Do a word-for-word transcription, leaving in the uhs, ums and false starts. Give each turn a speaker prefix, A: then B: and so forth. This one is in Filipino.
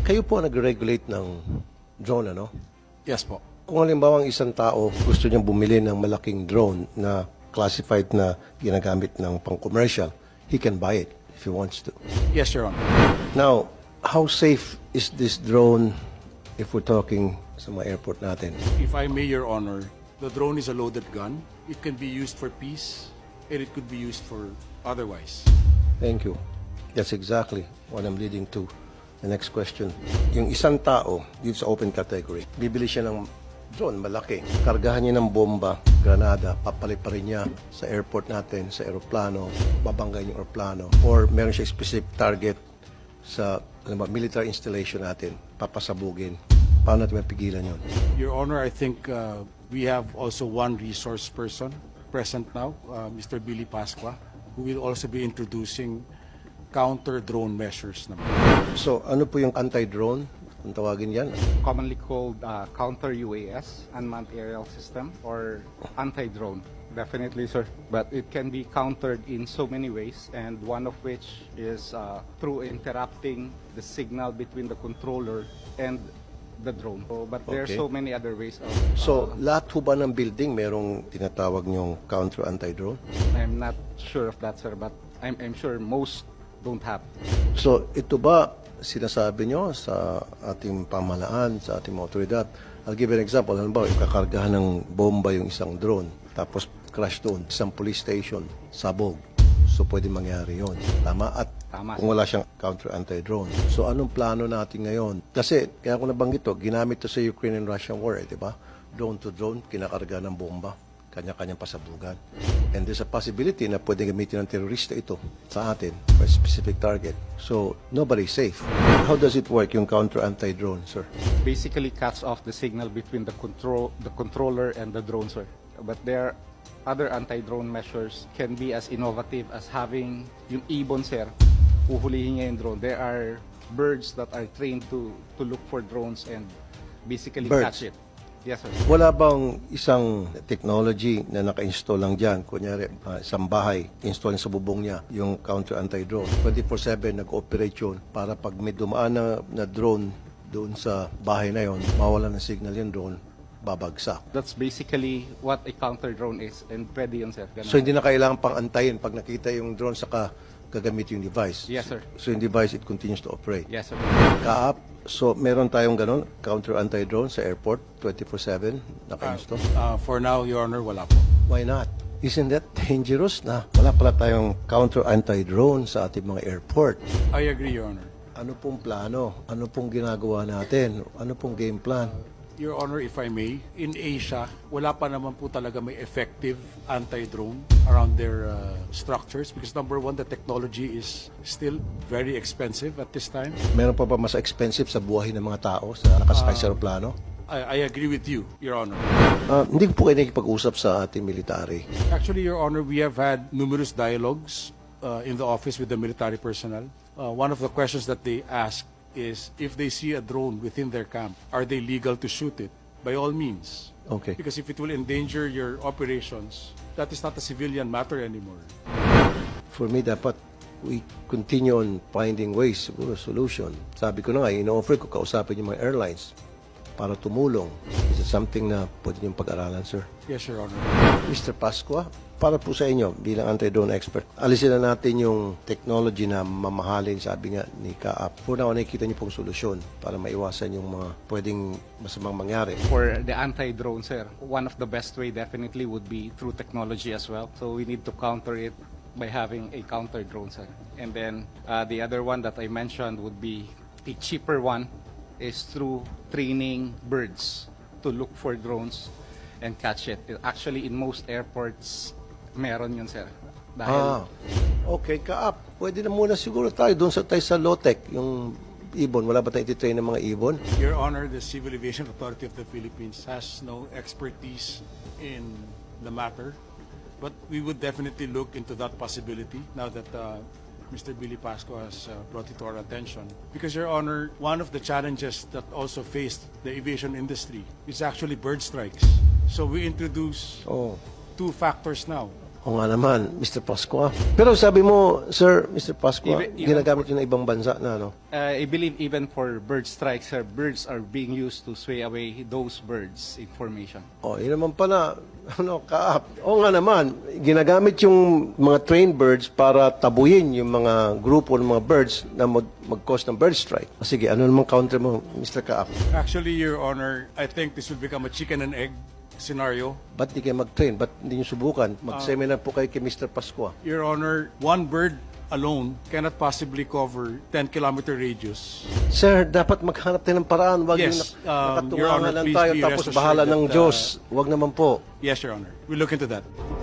A: Kayo po ang nag-regulate ng drone, ano?
B: Yes po.
A: Kung halimbawa ang isang tao gusto niyang bumili ng malaking drone na classified na ginagamit ng pang-commercial, he can buy it if he wants to.
B: Yes, Your Honor.
A: Now, how safe is this drone if we're talking sa mga airport natin?
B: If I may, Your Honor, the drone is a loaded gun. It can be used for peace, and it could be used for otherwise.
A: Thank you. That's exactly what I'm leading to. The next question. Yung isang tao, dito sa open category, bibili siya ng drone, malaki. Kargahan niya ng bomba, granada, papaliparin niya sa airport natin, sa aeroplano, babanggain yung aeroplano, or meron siya specific target sa ano ba, military installation natin, papasabugin. Paano natin mapigilan yun?
B: Your Honor, I think uh, we have also one resource person present now, uh, Mister Billy Pasqua, who will also be introducing counter-drone measures naman.
A: So, ano po yung anti-drone? Kung tawagin yan?
C: Commonly called uh, counter U A S, unmanned aerial system, or anti-drone. Definitely, sir. But it can be countered in so many ways, and one of which is uh, through interrupting the signal between the controller and the drone. So, but there are
A: Okay.
C: so many other ways of...
A: So, lahat ho ba ng building merong tinatawag niyong counter anti-drone?
C: I'm not sure of that, sir, but I'm, I'm sure most don't have.
A: So, ito ba sinasabi nyo sa ating pamahalaan, sa ating mga otoridad? I'll give you an example. Halimbawa, ikakargahan ng bomba yung isang drone, tapos crash doon, isang police station, sabog. So, pwede mangyari yon. Tama? At
C: Tama.
A: kung wala siyang counter anti-drone. So, anong plano natin ngayon? Kasi, kaya ko nabanggit to, ginamit to sa Ukraine and Russian war, eh, di ba? Drone to drone, kinakarga ng bomba, kanya-kanyang pasabugan. And there's a possibility na pwede gamitin ng terorista ito sa atin for a specific target. So, nobody's safe. How does it work, yung counter anti-drone, sir?
C: Basically cuts off the signal between the control the controller and the drone, sir. But there are other anti-drone measures can be as innovative as having yung ibon, sir. Uhulihin niya yung drone. There are birds that are trained to to look for drones and basically
A: Birds?
C: catch it. Yes, sir.
A: Wala bang isang technology na naka-install lang dyan? Kunyari, uh, isang bahay, install sa bubong niya yung counter anti-drone. twenty-four seven nag-operate yun para pag may dumaan na, na drone doon sa bahay na yon, mawala ng signal yung drone, babagsak.
C: That's basically what a counter drone is, and pwede yun, sir. Ganun.
A: So hindi na kailangan pang antayin pag nakita yung drone saka gagamit yung device.
C: Yes, sir.
A: So yung device, it continues to operate.
C: Yes, sir.
A: Kaap, so meron tayong ganon, counter anti-drone sa airport, twenty-four seven, naka-install.
B: Uh, for now, Your Honor, wala po.
A: Why not? Isn't that dangerous na wala pala tayong counter anti-drone sa ating mga airport?
B: I agree, Your Honor.
A: Ano pong plano? Ano pong ginagawa natin? Ano pong game plan?
B: Your Honor, if I may, in Asia, wala pa naman po talaga may effective anti-drone around their uh, structures because number one, the technology is still very expensive at this time.
A: Meron pa ba mas expensive sa buhay ng mga tao sa nakasakay sa aeroplano?
B: I, I agree with you, Your Honor.
A: Ah, hindi ko po kayo nakikipag-usap sa ating military.
B: Actually, Your Honor, we have had numerous dialogues uh, in the office with the military personnel. Uh, one of the questions that they ask is if they see a drone within their camp, are they legal to shoot it? By all means.
A: Okay.
B: Because if it will endanger your operations, that is not a civilian matter anymore.
A: For me, dapat we continue on finding ways, siguro, solution. Sabi ko na nga, ino-offer ko kausapin yung mga airlines para tumulong. Is it something na pwede niyong pag-aralan, sir?
B: Yes, Your Honor.
A: Mister Pasqua, para po sa inyo bilang anti-drone expert, alisin na natin yung technology na mamahalin, sabi nga ni Kaap. For now, nakikita niyo pong solusyon para maiwasan yung mga pwedeng masamang mangyari.
C: For the anti-drone, sir, one of the best way definitely would be through technology as well. So we need to counter it by having a counter drone, sir. And then uh, the other one that I mentioned would be a cheaper one is through training birds to look for drones and catch it. Actually, in most airports, meron yun, sir.
A: Ah,
C: Dahil
A: okay, Kaap. Pwede na muna siguro tayo doon sa tayo sa Lotec, yung ibon. Wala ba tayong ititrain ng mga ibon?
B: Your Honor, the Civil Aviation Authority of the Philippines has no expertise in the matter, but we would definitely look into that possibility now that uh, Mister Billy Pasco has uh, brought it to our attention. Because, Your Honor, one of the challenges that also faced the aviation industry is actually bird strikes. So we introduce
A: Oh,
B: two factors now.
A: O nga naman, Mister Pascua. Pero sabi mo, Sir, Mister Pascua,
C: Even- even
A: ginagamit yun ng ibang bansa na, ano?
C: Uh, I believe even for bird strikes, sir, birds are being used to sway away those birds' information.
A: O, yun naman pala, ano, kaap. O nga naman, ginagamit yung mga trained birds para tabuyin yung mga grupo ng mga birds na mag- mag-cause ng bird strike. O sige, ano naman counter mo, Mister Kaap?
B: Actually, Your Honor, I think this will become a chicken and egg scenario.
A: Ba't di kayo mag-train? Ba't hindi nyo subukan? Mag-seminar po kayo kay Mister Pascua.
B: Your Honor, one bird alone cannot possibly cover ten kilometer radius.
A: Sir, dapat maghanap tayo ng paraan. Huwag
B: Yes,
A: yung
B: um,
A: nakatungangan
B: Your Honor,
A: lang
B: please
A: tayo
B: be
A: tapos
B: rest
A: bahala
B: assured
A: ng
B: that, uh,
A: Diyos. Huwag naman po.
B: Yes, Your Honor. We'll look into that.